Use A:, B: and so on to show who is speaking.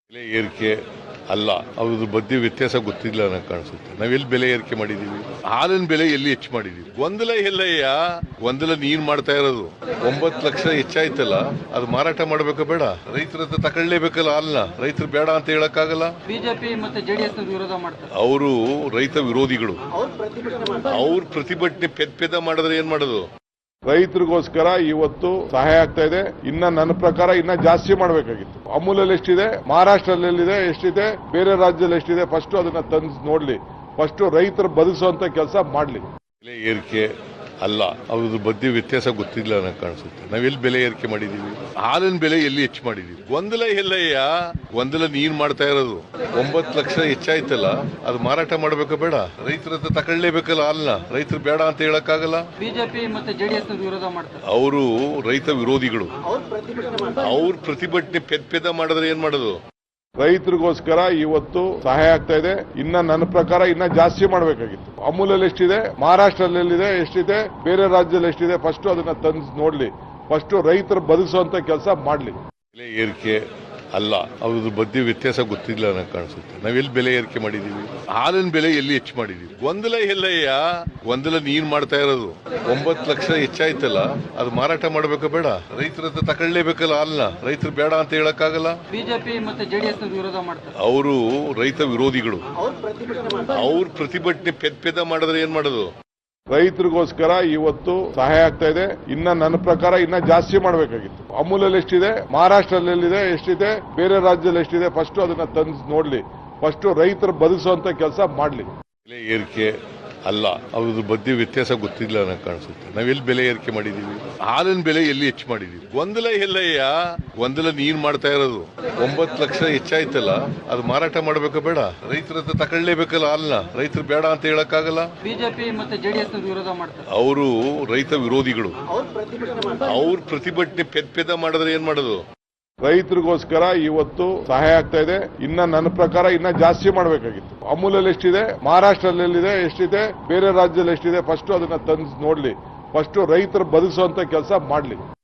A: ಬೆಲೆ ಏರಿಕೆ ಅಲ್ಲ, ಅದ್ರ ಬಗ್ಗೆ ವ್ಯತ್ಯಾಸ ಗೊತ್ತಿಲ್ಲ ನನಗೆ ಕಾಣಿಸುತ್ತೆ. ನಾವೆಲ್ಲಿ ಬೆಲೆ ಏರಿಕೆ ಮಾಡಿದೀವಿ? ಹಾಲಿನ ಬೆಲೆ ಎಲ್ಲಿ ಹೆಚ್ಚು ಮಾಡಿದೀವಿ? ಗೊಂದಲ ಎಲ್ಲಯ್ಯ? ಗೊಂದಲ ನೀನ್ ಮಾಡ್ತಾ ಇರೋದು. 9 ಲಕ್ಷ ಹೆಚ್ಚಾಯ್ತಲ್ಲ, ಅದು ಮಾರಾಟ ಮಾಡ್ಬೇಕಾ ಬೇಡ? ರೈತರ ಹತ್ರ ತಗೊಳ್ಳೇಬೇಕಲ್ಲ ಹಾಲ್ನ. ರೈತರು ಬೇಡ ಅಂತ ಹೇಳಕ್ಕಾಗಲ್ಲ.
B: ಬಿಜೆಪಿ ಮತ್ತೆ ಜೆಡಿಎಸ್ ವಿರೋಧ ಮಾಡ್ತಾರೆ.
A: ಅವರು ರೈತ ವಿರೋಧಿಗಳು. ಅವ್ರ ಪ್ರತಿಭಟನೆ ಪೆದ ಮಾಡಿದ್ರೆ ಏನ್ ಮಾಡೋದು?
C: ರೈತರಿಗೋಸ್ಕರ ಇವತ್ತು ಸಹಾಯ ಆಗ್ತಾ ಇದೆ. ಇನ್ನ ನನ್ನ ಪ್ರಕಾರ ಇನ್ನ ಜಾಸ್ತಿ ಮಾಡಬೇಕಾಗಿತ್ತು. ಅಮೂಲಲ್ಲಿ ಎಷ್ಟಿದೆ, ಮಹಾರಾಷ್ಟ್ರದಲ್ಲಿ ಎಷ್ಟಿದೆ, ಬೇರೆ ರಾಜ್ಯದಲ್ಲಿ ಎಷ್ಟಿದೆ, ಫಸ್ಟ್ ಅದನ್ನ ತಂದು ನೋಡ್ಲಿ. ಫಸ್ಟ್ ರೈತರು ಬದುಕಿಸುವಂತ ಕೆಲಸ ಮಾಡ್ಲಿ.
A: ಬೆಲೆ ಏರಿಕೆ ಅಲ್ಲ, ಅದ್ರ ಬಗ್ಗೆ ವ್ಯತ್ಯಾಸ ಗೊತ್ತಿಲ್ಲ ನನಗೆ ಕಾಣಿಸುತ್ತೆ. ನಾವೆಲ್ಲಿ ಬೆಲೆ ಏರಿಕೆ ಮಾಡಿದೀವಿ? ಹಾಲಿನ ಬೆಲೆ ಎಲ್ಲಿ ಹೆಚ್ಚು ಮಾಡಿದೀವಿ? ಗೊಂದಲ ಎಲ್ಲಯ್ಯ? ಗೊಂದಲ ನೀನ್ ಮಾಡ್ತಾ ಇರೋದು. 9 ಲಕ್ಷ ಹೆಚ್ಚಾಯ್ತಲ್ಲ, ಅದು ಮಾರಾಟ ಮಾಡ್ಬೇಕಾ ಬೇಡ? ರೈತರ ಹತ್ರ ತಗೊಳ್ಳೇಬೇಕಲ್ಲ ಹಾಲ್ನ. ರೈತರು ಬೇಡ ಅಂತ ಹೇಳಕ್ಕಾಗಲ್ಲ.
B: ಬಿಜೆಪಿ ಮತ್ತೆ ಜೆಡಿಎಸ್ ವಿರೋಧ ಮಾಡ್ತಾರೆ.
A: ಅವರು ರೈತ ವಿರೋಧಿಗಳು. ಅವ್ರ ಪ್ರತಿಭಟನೆ ಪೆದ ಮಾಡಿದ್ರೆ ಏನ್ ಮಾಡೋದು?
C: ರೈತರಿಗೋಸ್ಕರ ಇವತ್ತು ಸಹಾಯ ಆಗ್ತಾ ಇದೆ. ಇನ್ನ ನನ್ನ ಪ್ರಕಾರ ಇನ್ನ ಜಾಸ್ತಿ ಮಾಡಬೇಕಾಗಿತ್ತು. ಅಮೂಲಲ್ಲಿ ಎಷ್ಟಿದೆ, ಮಹಾರಾಷ್ಟ್ರದಲ್ಲಿ ಎಷ್ಟಿದೆ, ಬೇರೆ ರಾಜ್ಯದಲ್ಲಿ ಎಷ್ಟಿದೆ, ಫಸ್ಟ್ ಅದನ್ನ ತಂದು ನೋಡ್ಲಿ. ಫಸ್ಟ್ ರೈತರು ಬದುಕಿಸುವಂತ ಕೆಲಸ ಮಾಡ್ಲಿ.
A: ಬೆಲೆ ಏರಿಕೆ ಅಲ್ಲ, ಅದ್ರ ಬಗ್ಗೆ ವ್ಯತ್ಯಾಸ ಗೊತ್ತಿಲ್ಲ ನನಗೆ ಕಾಣಿಸುತ್ತೆ. ನಾವೆಲ್ಲಿ ಬೆಲೆ ಏರಿಕೆ ಮಾಡಿದೀವಿ? ಹಾಲಿನ ಬೆಲೆ ಎಲ್ಲಿ ಹೆಚ್ಚು ಮಾಡಿದೀವಿ? ಗೊಂದಲ ಎಲ್ಲಯ್ಯ? ಗೊಂದಲ ನೀನ್ ಮಾಡ್ತಾ ಇರೋದು. 9 ಲಕ್ಷ ಹೆಚ್ಚಾಯ್ತಲ್ಲ, ಅದು ಮಾರಾಟ ಮಾಡ್ಬೇಕಾ ಬೇಡ? ರೈತರ ಹತ್ರ ತಗೊಳ್ಳೇಬೇಕಲ್ಲ ಹಾಲ್ನ. ರೈತರು ಬೇಡ ಅಂತ ಹೇಳಕ್ಕಾಗಲ್ಲ.
B: ಬಿಜೆಪಿ ಮತ್ತೆ ಜೆಡಿಎಸ್ ವಿರೋಧ ಮಾಡ್ತಾರೆ.
A: ಅವರು ರೈತ ವಿರೋಧಿಗಳು. ಅವ್ರ ಪ್ರತಿಭಟನೆ ಪೆದ ಮಾಡಿದ್ರೆ ಏನ್ ಮಾಡೋದು?
C: ರೈತರಿಗೋಸ್ಕರ ಇವತ್ತು ಸಹಾಯ ಆಗ್ತಾ ಇದೆ. ಇನ್ನ ನನ್ನ ಪ್ರಕಾರ ಇನ್ನ ಜಾಸ್ತಿ ಮಾಡಬೇಕಾಗಿತ್ತು. ಅಮೂಲಲ್ಲಿ ಎಷ್ಟಿದೆ, ಮಹಾರಾಷ್ಟ್ರದಲ್ಲಿ ಎಷ್ಟಿದೆ, ಬೇರೆ ರಾಜ್ಯದಲ್ಲಿ ಎಷ್ಟಿದೆ, ಫಸ್ಟ್ ಅದನ್ನ ತಂದು ನೋಡ್ಲಿ. ಫಸ್ಟ್ ರೈತರು ಬದುಕಿಸುವಂತ ಕೆಲಸ ಮಾಡ್ಲಿ.
A: ಬೆಲೆ ಏರಿಕೆ ಅಲ್ಲ, ಅದ್ರ ಬಗ್ಗೆ ವ್ಯತ್ಯಾಸ ಗೊತ್ತಿಲ್ಲ ನನಗೆ ಕಾಣಿಸುತ್ತೆ. ನಾವೆಲ್ಲಿ ಬೆಲೆ ಏರಿಕೆ ಮಾಡಿದೀವಿ? ಹಾಲಿನ ಬೆಲೆ ಎಲ್ಲಿ ಹೆಚ್ಚು ಮಾಡಿದೀವಿ? ಗೊಂದಲ ಎಲ್ಲಯ್ಯ? ಗೊಂದಲ ನೀನ್ ಮಾಡ್ತಾ ಇರೋದು. 9 ಲಕ್ಷ ಹೆಚ್ಚಾಯ್ತಲ್ಲ, ಅದು ಮಾರಾಟ ಮಾಡ್ಬೇಕಾ ಬೇಡ? ರೈತರ ಹತ್ರ ತಗೊಳ್ಳೇಬೇಕಲ್ಲ ಹಾಲ್ನ. ರೈತರು ಬೇಡ ಅಂತ ಹೇಳಕ್ಕಾಗಲ್ಲ.
B: ಬಿಜೆಪಿ ಮತ್ತೆ ಜೆಡಿಎಸ್ ವಿರೋಧ ಮಾಡ್ತಾರೆ.
A: ಅವರು ರೈತ ವಿರೋಧಿಗಳು. ಅವ್ರ ಪ್ರತಿಭಟನೆ ಪೆದ ಮಾಡಿದ್ರೆ ಏನ್ ಮಾಡೋದು?
C: ರೈತರಿಗೋಸ್ಕರ ಇವತ್ತು ಸಹಾಯ ಆಗ್ತಾ ಇದೆ. ಇನ್ನ ನನ್ನ ಪ್ರಕಾರ ಇನ್ನ ಜಾಸ್ತಿ ಮಾಡಬೇಕಾಗಿತ್ತು. ಅಮೂಲಲ್ಲಿ ಎಷ್ಟಿದೆ, ಮಹಾರಾಷ್ಟ್ರದಲ್ಲಿ ಎಷ್ಟಿದೆ, ಬೇರೆ ರಾಜ್ಯದಲ್ಲಿ ಎಷ್ಟಿದೆ, ಫಸ್ಟ್ ಅದನ್ನ ತಂದು ನೋಡ್ಲಿ. ಫಸ್ಟ್ ರೈತರು ಬದುಕಿಸುವಂತ ಕೆಲಸ ಮಾಡ್ಲಿ.